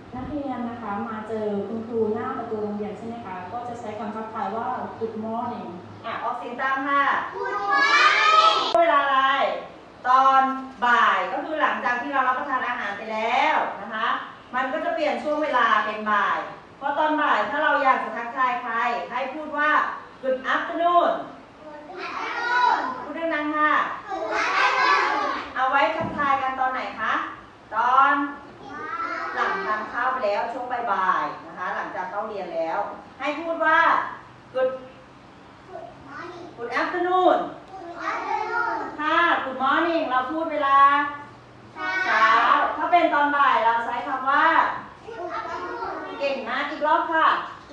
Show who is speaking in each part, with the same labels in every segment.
Speaker 1: นักเรียนนะคะมาเจอคุณครูหน้าประตูโรงเรียนใช่ไหมคะก็จะใช้คำทักทายว่า Good morning
Speaker 2: ออกเสียงตามค่ะ Good morning เวลาอะไรตอนบ่ายก็คือหลังจากที่เรารับประทานอาหารไปแล้วนะคะมันก็จะเปลี่ยนช่วงเวลาเป็นบ่ายเพราะตอนบ่ายถ้าเราอยากจะทักทายใครให้พูดว่า Good afternoon พูดดังๆค่ะเอาไว้ทักทายกันตอนไหนคะตอนหลังทานข้าวไปแล้วช่วงบ่ายๆนะคะหลังจากเข้าเรียนแล้วให้พูดว่า Good afternoon ค่ะ Good morning เราพูดเวลาเช้าถ้าเป็นตอนบ่ายเราใช้คำว่าเก่งมากอีกรอบค่ะ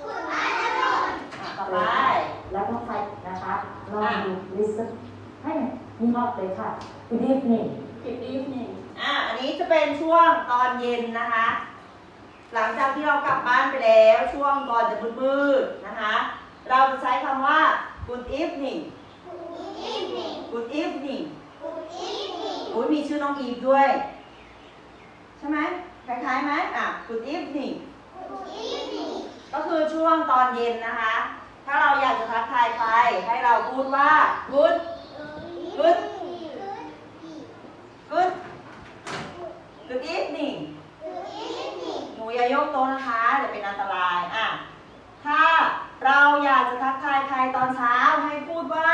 Speaker 2: ต่อไป
Speaker 1: แล้วต้องใช้นะคะลองดู listen ให้มีรอบเลยค่ะ Good evening Good evening
Speaker 2: อันนี้จะเป็นช่วงตอนเย็นนะคะหลังจากที่เรากลับบ้านไปแล้วช่วงก่อนจะมืดๆนะคะเราจะใช้คำว่า Good evening Good evening อุ้ยมีชื่อน้องอีฟด้วยใช่ไหมคล้ายๆไหมGood evening ก็คือช่วงตอนเย็นนะคะถ้าเราอยากจะทักทายใครให้เราพูดว่า Good Good Good Good evening หนูอย่ายกโต๊ะนะคะเดี๋ยวเป็นอันตรายถ้าเราอยากจะทักทายใครตอนเช้าให้พูดว่า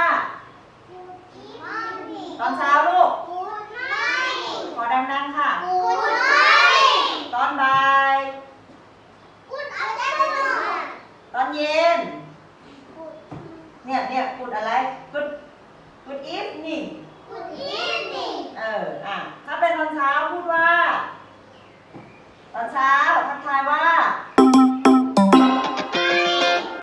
Speaker 2: ตอนเช้าลูกขอดังๆค่ะตอนบ่ายตอนเย็นเนี่ยพูดอะไร Good